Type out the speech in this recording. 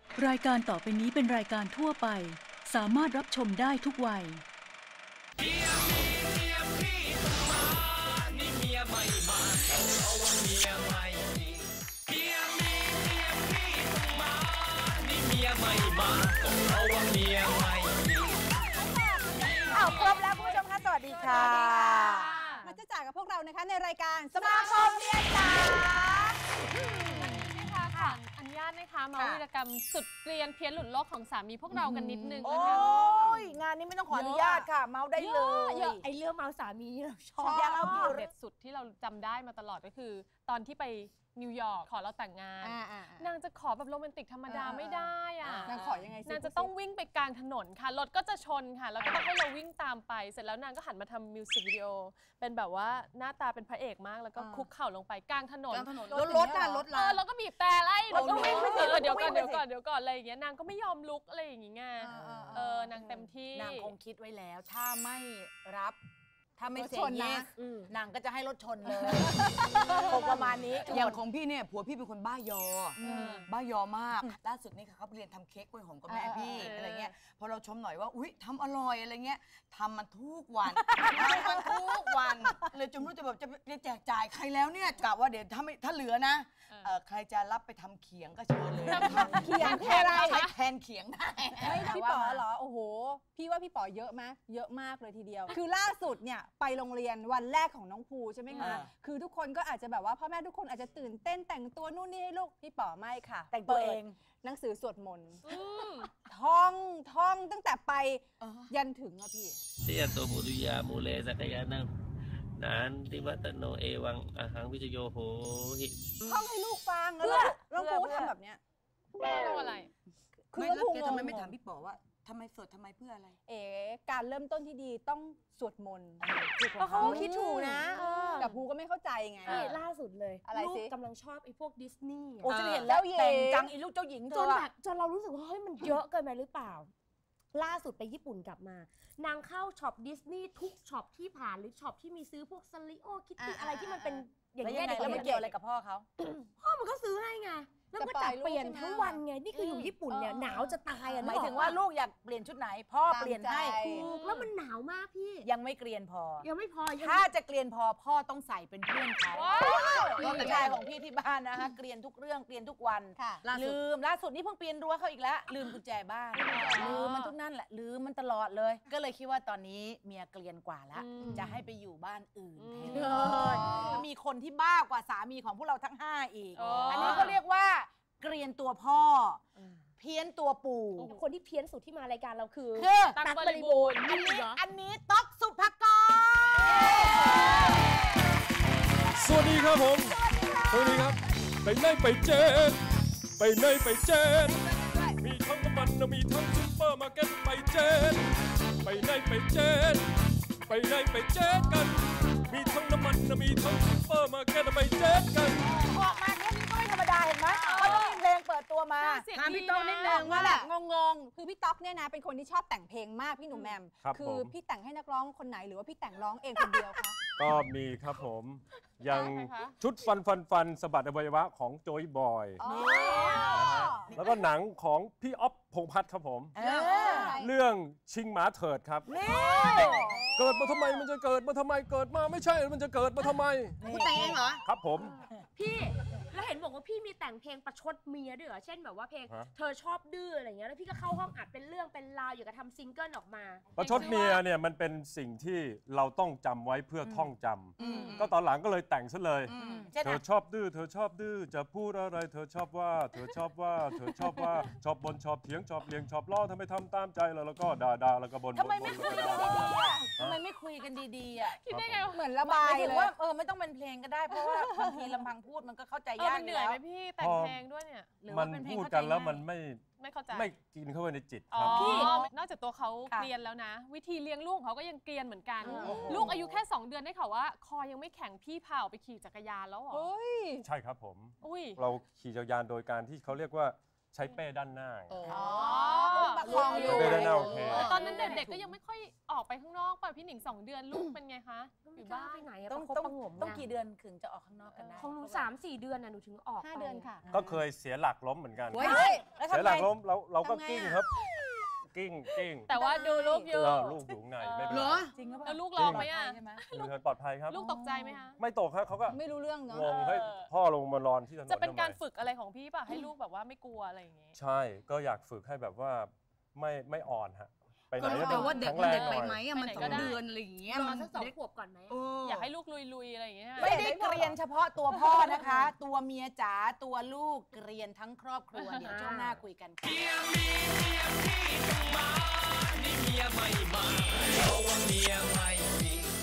รายการต่อไปนี้เป็นรายการทั่วไปสามารถรับชมได้ทุกวัยเมียมีเมียพี่ต้องมานี่เมียไม่มาเอาว่าเมียไม่มีเมียมีเมียพี่ต้องมานี่เมียไม่มาเอาว่าเมียไม่มีครบแล้วคุณผู้ชมคะสวัสดีค่ะมาจะจากกับพวกเรานะคะในรายการสมาคมเมียจ๋าค่ะอนุญาตนะคะมาวีรกรรมสุดเกรียนเพี้ยนหลุดโลกของสามีพวกเรากันนิดนึงนะคะโอ้ยงานนี้ไม่ต้องขออนุญาตค่ะเมาได้เลยไอเรื่องเมาสามีเราชอบเด็ดสุดที่เราจำได้มาตลอดก็คือตอนที่ไปนิวยอร์กขอเราแต่งงานนางจะขอแบบโรแมนติกธรรมดาไม่ได้อะนางขอยังไงนางจะต้องวิ่งไปกลางถนนค่ะรถก็จะชนค่ะแล้วก็ต้องให้เราวิ่งตามไปเสร็จแล้วนางก็หันมาทำมิวสิกวิดีโอเป็นแบบว่าหน้าตาเป็นพระเอกมากแล้วก็คุกเข่าลงไปกลางถนนรถแล้วก็บีบแต่ไล่แล้วก็วิ่งเดี๋ยวก่อนอะไรอย่างเงี้ยนางก็ไม่ยอมลุกอะไรอย่างเงี้ยนางเต็มที่นางคงคิดไว้แล้วถ้าไม่รับถ้าไม่เซ็นนะนางก็จะให้รถชนเลยคงประมาณนี้อย่างของพี่เนี่ยผัวพี่เป็นคนบ้ายอมากล่าสุดนี่ค่ะเขาเรียนทำเค้กกล้วยหอมกับแม่พี่อะไรเงี้ยพอเราชมหน่อยว่าอุ๊ยทำอร่อยอะไรเงี้ยทำมันทุกวันเลยจนรู้จะแบบจะแจกจ่ายใครแล้วเนี่ยกะว่าเดี๋ยวถ้าเหลือนะใครจะรับไปทำเขียงก็เชิญเลยเขียงคืออะไรใช้แทนเขียงได้ไม่พี่ป๋อเหรอโอ้โหพี่ว่าพี่ป๋อเยอะไหมเยอะมากเลยทีเดียวคือล่าสุดเนี่ยไปโรงเรียนวันแรกของน้องภูใช่ไหมคะคือทุกคนก็อาจจะแบบว่าพ่อแม่ทุกคนอาจจะตื่นเต้นแต่งตัวนู่นนี่ให้ลูกพี่ป๋อไม่ค่ะแต่งตัวเองหนังสือสวดมนต์ท่องตั้งแต่ไปยันถึงอะพี่เสียตัวบุริยามูเลสักยานังนานติวัตโนเอวังอาหังวิจโยโหหิท่องให้ลูกฟังแล้วน้องภูทำแบบเนี้ยต้องอะไรคือแล้วแกทำไมไม่ถามพี่ป๋อว่าทำไมสวดทำไมเพื่ออะไรการเริ่มต้นที่ดีต้องสวดมนต์เพราะเขาคิดถูกนะแต่ภูก็ไม่เข้าใจไงนี่ล่าสุดเลยลูกกำลังชอบไอ้พวกดิสนีย์โอ้จะเห็นแล้วแต่งจังไอ้ลูกเจ้าหญิงจนแบบจนเรารู้สึกว่าเฮ้ยมันเยอะเกินไปหรือเปล่าล่าสุดไปญี่ปุ่นกลับมานางเข้าช็อปดิสนีย์ทุกช็อปที่ผ่านหรือช็อปที่มีซื้อพวกซาริโอคิตตี้อะไรที่มันเป็นอย่างเงี้ยแล้วมันเกี่ยวอะไรกับพ่อเขาพ่อมันก็ซื้อให้ไงแล้วก็จัดเปลี่ยนทั้งวันไงนี่คืออยู่ญี่ปุ่นเนี่ยหนาวจะตายอ่ะหมายถึงว่าลูกอยากเปลี่ยนชุดไหนพ่อเปลี่ยนให้ถูกแล้วมันหนาวมากพี่ยังไม่เกรียนพอยังไม่พอถ้าจะเกรียนพอพ่อต้องใส่เป็นเพื่อนเขาลูกชายของพี่ที่บ้านนะคะเกรียนทุกเรื่องเกรียนทุกวันลืมล่าสุดนี่เพิ่งเปลี่ยนรั้วเขาอีกแล้วลืมกุญแจบ้านลืมมันทุกนั่นแหละลืมมันตลอดเลยก็เลยคิดว่าตอนนี้เมียเกรียนกว่าแล้วจะให้ไปอยู่บ้านอื่นมีคนที่บ้ากว่าสามีของพวกเราทั้ง5อีกอันนี้ก็เรียกว่าเกรียนตัวพ่อเพี้ยนตัวปู่คนที่เพี้ยนสุดที่มารายการเราคือตั๊กบริบูรณ์อันนี้ต๊อกสุภกรสวัสดีครับผมสวัสดีครับไปไหนไปเจนไปไหนไปเจนมีทั้งน้ำมันมีทั้งซุปเปอร์มาร์เก็ตไปเจนไปไหนไปเจนไปไหนไปเจนกันมีทั้งน้ำมันมีทั้งซุปเปอร์มาร์เก็ตไปเจนกันออกมาแค่นี้ก็ไม่ธรรมดาเห็นไหมเขาต้องมีเพลงเปิดตัวมาถามพี่ต๊อกนิดนึงว่าแบบงงคือพี่ต๊อกเนี่ยนะเป็นคนที่ชอบแต่งเพลงมากพี่หนุ่มแหม่มคือพี่แต่งให้นักร้องคนไหนหรือว่าพี่แต่งร้องเองคนเดียวคะก็มีครับผมยังชุดฟันสะบัดอวัยวะของโจยบอยแล้วก็หนังของพี่อ๊อฟพงษ์พัฒน์ครับผมเรื่องชิงหมาเถิดครับเกิดมาทำไมมันจะเกิดมาทำไมเกิดมาไม่ใช่มันจะเกิดมาทำไมคุณแต่งเองเหรอครับผมพี่แล้วเห็นบอกว่าพี่มีแต่งเพลงประชดเมียด้วยเหรอเช่นแบบว่าเพลงเธอชอบดื้ออะไรเงี้ยแล้วพี่ก็เข้าห้องอัดเป็นเรื่องเป็นราวอยู่กับทำซิงเกิลออกมาประชดเมียเนี่ยมันเป็นสิ่งที่เราต้องจำไว้เพื่อท่องจำก็ตอนหลังก็เลยแต่งซะเลยเธอชอบดื้อเธอชอบดื้อจะพูดอะไรเธอชอบว่าเธอชอบว่าเธอชอบว่าชอบบนชอบเถียงชอบเลี้ยงชอบล้อทำไมทำตามใจแล้วก็ด่าแล้วก็บ่นทำไมไม่คุยกันดีๆอ่ะทำไมไม่คุยกันดีๆอ่ะคิดได้ไงเหมือนระบายเลยว่าไม่ต้องเป็นเพลงก็ได้เพราะว่าบางทีลำพังพูดมันก็เข้าใจยากมันเหนื่อยไหมพี่แต่งเพลงด้วยเนี่ยมันพูดกันแล้วมันไม่เข้าใจไม่กินเข้าไปในจิตครับพี่นอกจากตัวเขาเกรียนแล้วนะวิธีเลี้ยงลูกเขาก็ยังเกรียนเหมือนกันลูกอายุแค่2 เดือนได้ข่าวว่าคอยังไม่แข็งพี่พาไปขี่จักรยานแล้วเหรอใช่ครับผมเราขี่จักรยานโดยการที่เขาเรียกว่าใช้เป้ด้านหน้าประคองอยู่ได้โอเคตอนนั้นเด็กๆก็ยังไม่ค่อยออกไปข้างนอกป่ะพี่หนิง2 เดือนลูกเป็นไงคะอยู่บ้านไปไหนอะต้องประคบประหงมต้องกี่เดือนถึงจะออกข้างนอกกันได้ของหนู3-4 เดือนน่ะหนูถึงออก 5 เดือนค่ะก็เคยเสียหลักล้มเหมือนกันเฮ้ยแล้วทำเสียหไงลักล้มเราก็ทำไงกิ้งอะครับ กิ้งแต่ว่าดูลูกอยู่ลูกอยู่ข้างในไม่เป็นเหรไรอจริงหรือเปแล้ล่าวลูกร้องไหมอ่ะใช่ไหมอยู่ในปลอดภัยครับลูกตกใจไหมคะไม่ตกครับเขาก็ไม่รู้เรื่องเนาะงงให้พ่อลงมานอนที่ถนนจะเป็นการทำไมฝึกอะไรของพี่ป่ะให้ลูกแบบว่าไม่กลัวอะไรอย่างงี้ใช่ก็อยากฝึกให้แบบว่าไม่อ่อนฮะไปไหนก็แต่ว่าเด็กแข็งแรงไปหน่อยไหมอะมันไปไหน 2 ก็ได้เดือนอะไรอย่างเงี้ยรอมันสัก2 ขวบก่อนไหมอยากให้ลูกลุยๆอะไรอย่างเงี้ยไม่ได้เกรียนเฉพาะตัวพ่อนะคะ ตัวเมียจ๋าตัวลูกเกรียนทั้งครอบครัวเดี๋ยวช่วงหน้าคุยกันค่ะเมียมีเมียพี่ต้องมา นี่เมียไม่มาเพราะว่าเมียไม่มี